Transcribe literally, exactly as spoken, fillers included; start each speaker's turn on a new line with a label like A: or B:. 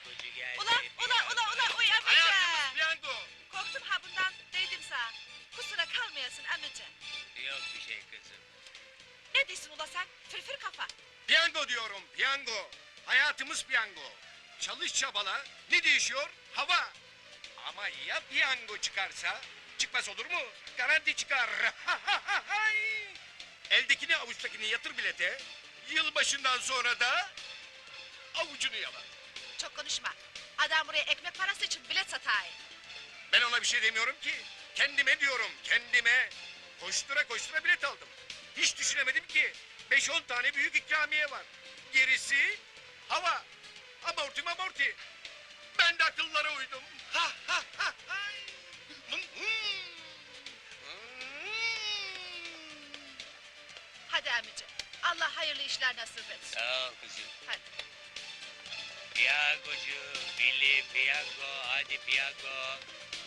A: piyangocu geldi.
B: Ula ula ula ula uy amca.
C: Hayatımız piyango.
B: Korktum ha bundan değdim sana. Kusura kalmayasın amca.
A: Yok bir şey kızım.
B: Ne diyorsun ula sen? Fırfır kafa.
C: Piyango diyorum, piyango. Hayatımız piyango. Çalış çabala, ne değişiyor? Hava. Ama ya piyango çıkarsa? Çıkmaz olur mu? Garanti çıkar. Eldekini avuçtakini yatır bilete. Yılbaşından sonra da avucunu yala.
B: Çok konuşma. Adam buraya ekmek parası için bilet satay.
C: Ben ona bir şey demiyorum ki. Kendime diyorum, kendime. Koştura koştura bilet aldım. Hiç düşünemedim ki. Beş on tane büyük ikramiye var. Gerisi hava. Amorti amorti. Ben de akıllara uydum. Ha ha ha hay. Hım, hım. Hım.
B: Hadi amca. Allah hayırlı işler nasip etsin.
A: Sağ ol kızım.
B: Hadi.
A: Piyangocu, Billy piyango, hadi piyango.